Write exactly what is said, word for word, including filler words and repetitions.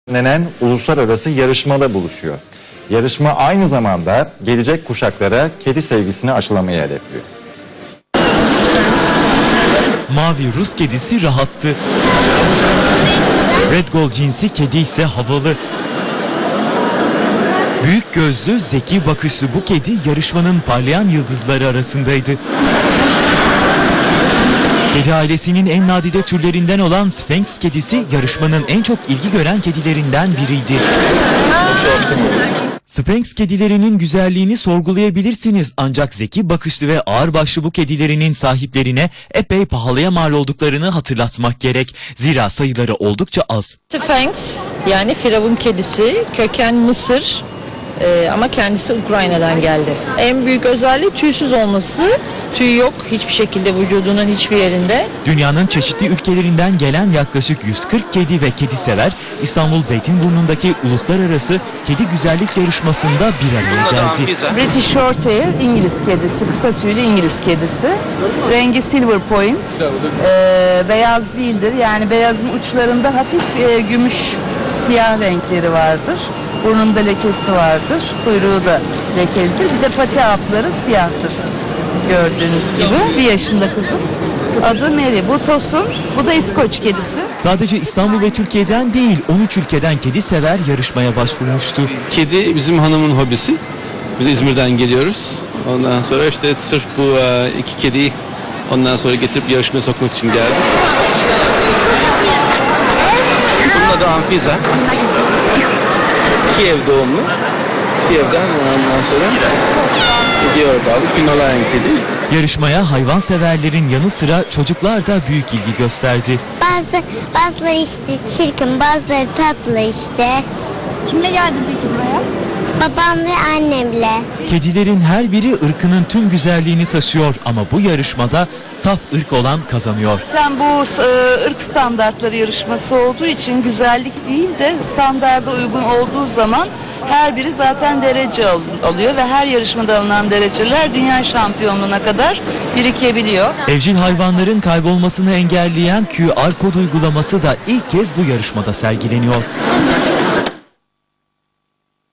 düzenlenen uluslararası yarışmada buluşuyor. Yarışma aynı zamanda gelecek kuşaklara kedi sevgisini aşılamayı hedefliyor. Mavi Rus kedisi rahattı. Red Gold cinsi kedi ise havalı. Büyük gözlü, zeki bakışlı bu kedi yarışmanın parlayan yıldızları arasındaydı. Kedi ailesinin en nadide türlerinden olan Sphynx kedisi yarışmanın en çok ilgi gören kedilerinden biriydi. Sphynx kedilerinin güzelliğini sorgulayabilirsiniz ancak zeki bakışlı ve ağırbaşlı bu kedilerinin sahiplerine epey pahalıya mal olduklarını hatırlatmak gerek. Zira sayıları oldukça az. Sphynx yani Firavun kedisi, köken Mısır ee, ama kendisi Ukrayna'dan geldi. En büyük özelliği tüysüz olması. Tüy yok hiçbir şekilde vücudunun hiçbir yerinde. Dünyanın çeşitli ülkelerinden gelen yaklaşık yüz kırk kedi ve kedi sever İstanbul Zeytinburnu'ndaki uluslararası kedi güzellik yarışmasında bir araya geldi. British Shorthair İngiliz kedisi, kısa tüylü İngiliz kedisi. Rengi silver point, ee, beyaz değildir. Yani beyazın uçlarında hafif e, gümüş siyah renkleri vardır. Burnunda lekesi vardır, kuyruğu da lekelidir. Bir de pati altları siyahtır. Gördüğünüz gibi bir yaşında kızım. Adı Mary. Bu Tosun, bu da İskoç kedisi. Sadece İstanbul ve Türkiye'den değil on üç ülkeden kedi sever yarışmaya başvurmuştu. Kedi bizim hanımın hobisi. Biz İzmir'den geliyoruz. Ondan sonra işte sırf bu iki kediyi ondan sonra getirip yarışmaya sokmak için geldik. Bunun adı Anfisa. Kiev doğumlu. Kiev'den ondan sonra gidiyor abi. Himalayan kedi. Yarışmaya hayvanseverlerin yanı sıra çocuklar da büyük ilgi gösterdi. Bazı bazıları işte çirkin, bazıları tatlı işte. Kimle geldin peki buraya? Babam ve annemle. Kedilerin her biri ırkının tüm güzelliğini taşıyor ama bu yarışmada saf ırk olan kazanıyor. Zaten bu e, ırk standartları yarışması olduğu için güzellik değil de standarda uygun olduğu zaman her biri zaten derece al alıyor ve her yarışmada alınan dereceler dünya şampiyonluğuna kadar birikebiliyor. Evcil hayvanların kaybolmasını engelleyen Q R kod uygulaması da ilk kez bu yarışmada sergileniyor.